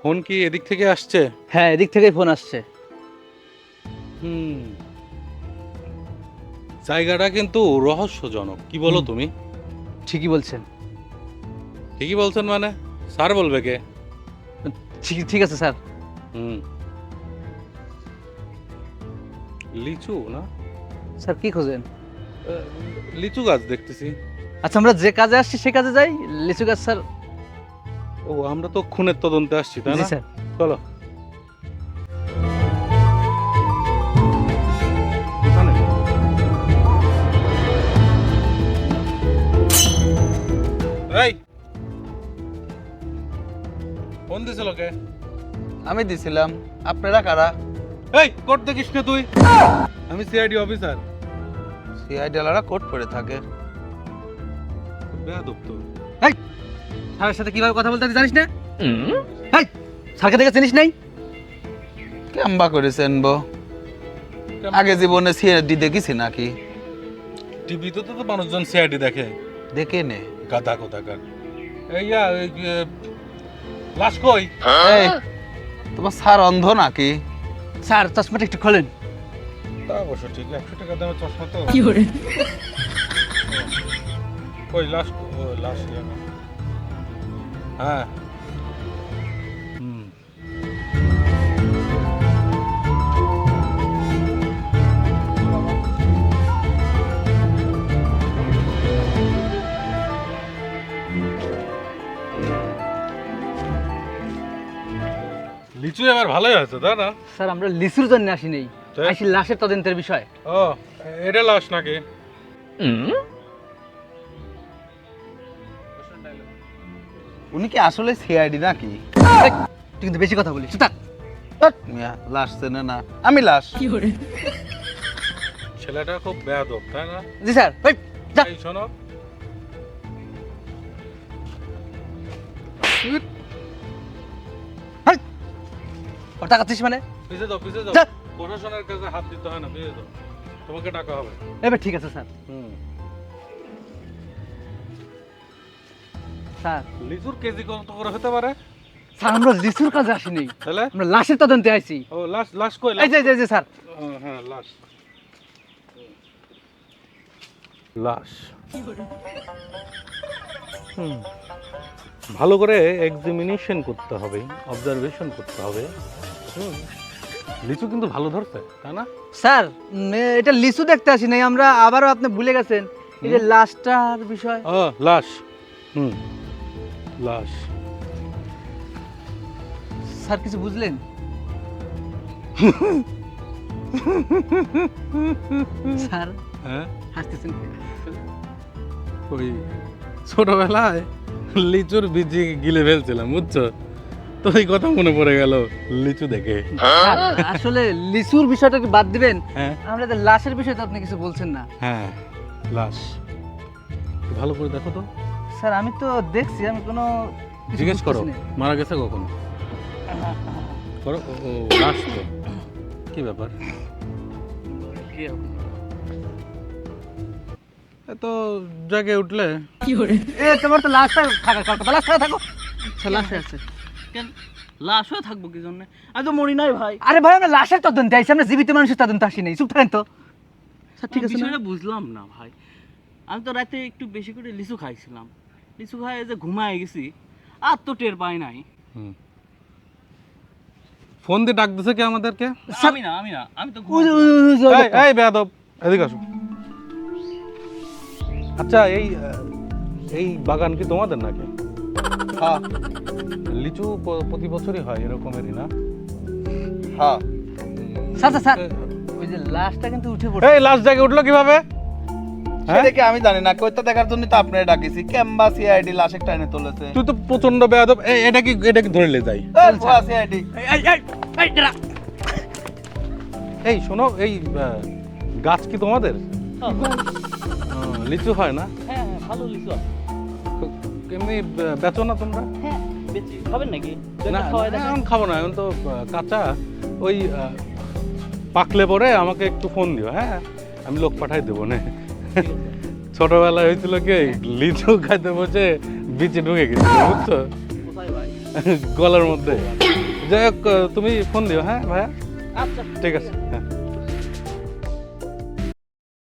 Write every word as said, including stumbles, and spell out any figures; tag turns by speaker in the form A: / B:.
A: Phone কি এদিক থেকে আসছে?
B: হ্যাঁ, এদিক থেকেই ফোন আসছে।
A: হুম, জায়গাটা কিন্তু রহস্যজনক, কি বলো
B: হুম।
A: তুমি?
B: ঠিকই বলছেন।
A: ঠিকই বলছেন মানে? স্যার বলবে কে?
B: ঠিক ঠিক আছে স্যার।
A: হুম, লিচু না?
B: স্যার কি খোঁজেন?
A: আহ, লিচু গাছ দেখতেছি।
B: আচ্ছা, আমরা যে কাজে আসছি সে কাজে যাই। লিচু গাছ স্যার।
A: ও, আমরা তো খুনের তদন্তে আসছি, তাই
B: জি
A: না?
B: স্যার।
A: চলো। এখানে? এই, ফোন দিছিল কে?
C: আমি দিছিলাম। আপনারা কারা?
A: এই, কোট দেখিস না তুই? আমি সিআইডি অফিসার।
C: সিআইডি ওয়ালারা কোট পরে থাকে।
A: বেয়াদব তো।
B: এই, স্যারের সাথে কিভাবে কথা বলতে হয় জানিস না? এই, স্যারকে দেখে চিনিস নাই?
C: কেমবা করেছেন বো? আগে জীবনে সিআইডি দেখেছি নাকি?
A: টিভিতে তো তো মানুষজন সিআইডি দেখে।
C: দেখে নে।
A: গাধা কোথাকার। এই ইয়া, এই যে, লাশ কই?
C: এই, তোমার স্যার অন্ধ নাকি?
B: স্যার চশমাটা একটু খোলেন।
A: তা অবশ্য ঠিক, একশো টাকা দামের চশমা তো।
B: কি করে?
A: কই লাশ? ও, লাশ ইয়া না। হ্যাঁ। হুম। লিচু এবার ভালোই হয়েছে, তাই না?
B: স্যার আমরা লিচুর জন্য আসি নেই,
A: তো?
B: আসি লাশের তদন্তের বিষয়।
A: ও, এটা লাশ নাকি?
C: উনি কি আসলে সিআইডি নাকি?
B: এই, তুই কিন্তু বেশি কথা বলিস। চুপ থাক।
C: ধ্যাৎ, মিয়া, লাশ চেনে না। আমি লাশ।
A: ছেলেটা খুব বেয়াদব, তাই না?
B: জি স্যার। এই, যা।
A: এই শোনো,
B: এই, ওর তাকাচ্ছিস মানে?
A: পিছে দাও, পিছে দাও।
B: যা।
A: প্রশাসনের কাছে হাত দিতে হয় না, পিছে দাও। তোমাকে টাকা হবে।
B: এবার ঠিক আছে স্যার।
A: হুম।
B: স্যার
A: লিচুর কেজি কত করে হতে পারে?
B: স্যার আমরা লিচুর কাজে আসি নেই,
A: তাহলে?
B: আমরা লাশের তদন্তে আইছি।
A: ও, লাশ, লাশ কই?
B: এই যে এই যে, এই যে স্যার।
A: ও, হ্যাঁ, লাশ। লাশ। হুম। ভালো করে এক্সামিনেশন করতে হবে, অবজারভেশন করতে হবে। হুম। লিচু কিন্তু ভালো ধরছে, তাই না?
B: স্যার উম, এ- এটা লিচু দেখতে আসি নাই আমরা, আবারও আপনি ভুলে গেছেন এই যে লাশটার বিষয়।
A: ও, লাশ। হুম, লাশ।
B: স্যার কিছু বুঝলেন? স্যার
A: হ্যাঁ,
B: হাসতেছেন কেন?
A: ওই ছোটবেলায় লিচুর বীজি গিলে ফেলছিলাম, বুঝছো? তো এই কথা মনে পড়ে গেল লিচু দেখে।
B: স্যার, আসলে লিচুর বিষয়টা কি বাদ দিবেন?
A: হ্যাঁ,
B: আমরা তো লাশের বিষয় তো আপনি কিছু বলছেন না।
A: হ্যাঁ, লাশ। একটু ভালো করে দেখো তো।
B: স্যার আমি তো দেখছি, আমি কোনো কিছু
A: জিজ্ঞেস করো,
B: বুঝতেছি না।
A: মারা গেছে কখন? করো। ও, ও, লাশ তো। কি ব্যাপার?
B: কি হবে?
A: এত জাগে উঠলে?
B: এ তোমার তো লাশটা থাকার কথা, লাশ থাকা থাকো। আচ্ছা লাশে আছে
D: কেন লাশও থাকবো কি জন্য? আমি তো মরি নাই ভাই।
B: আরে ভাই আমরা লাশের তদন্তে আইছি, আমরা জীবিত মানুষের তদন্তে আসি নাই। চুপ থাকেন তো স্যার। ঠিক আছে না?
D: বিষয়টা বুঝলাম না ভাই। আমি তো রাতে একটু বেশি করে লিচু খাইছিলাম, লিচু খাই যে ঘুমায় গেছি, আর তো টের পাই নাই।
A: হুম। ফোন দিয়ে ডাক দিছে কি আমাদেরকে?
D: আমি না আমি না আমি তো
B: ওই যে-
D: ঘুমাইছিলাম।
B: ওই যে- ওই যে- ওই
A: এই,
B: লোকটা।
A: এই বেয়াদব, এদিকে আসো। আচ্ছা, এই আহ, এই বাগান কি তোমাদের নাকি?
C: হ্যাঁ,
A: লিচু প- প্রতি বছরই হয় এরকমেরই না?
C: হ্যাঁ।
B: স্যার স্যার, স্যার ওই যে লাশটা কিন্তু উঠে পড়ছে।
A: এই লাশ জাগে উঠলো কিভাবে? হ্যাঁ?
C: সেটা কি আমি জানি না, কইতা দেখার জন্য তো আপনারে ডাকিছি। কেমবা সিআইডি লাশ একটা এনে তুলেছে।
A: তুই তো প্রচন্ড বেয়াদব। এই, এটা কি, এটা কি ধরে লে যাই?
C: এই, ভুয়া সিআইডি।
B: এই এই এই, এই দাঁড়া।
A: এই শোনো, এই আহ, গাছ কি তোমাদের?
D: হ্যাঁ,
A: আহ, লিচু হয় না?
D: হ্যাঁ হ্যাঁ, ভালো লিচু আছে।
A: এমনি বে- বেচো না তোমরা?
D: হ্যাঁ বেশি খাবেন নাকি?
A: না,
D: খাওয়াই
A: না,
D: দেখেন।
A: এখন খাবো না, এখন তো আহ, কাঁচা। ওই আহ, পাকলে পরে আমাকে একটু ফোন দিও, হ্যাঁ? আমি লোক পাঠাই দেবো না। ছোটবেলায় হয়েছিল কি, লিচু খাইতে বসে বিচে ঢুকে গেছিল, বুঝছো?
D: কোথায় ভাই?
A: গলার মধ্যে। যাই হোক, তুমি ফোন দিও, হ্যাঁ ভাইয়া?
D: আচ্ছা
A: ঠিক আছে, হ্যাঁ।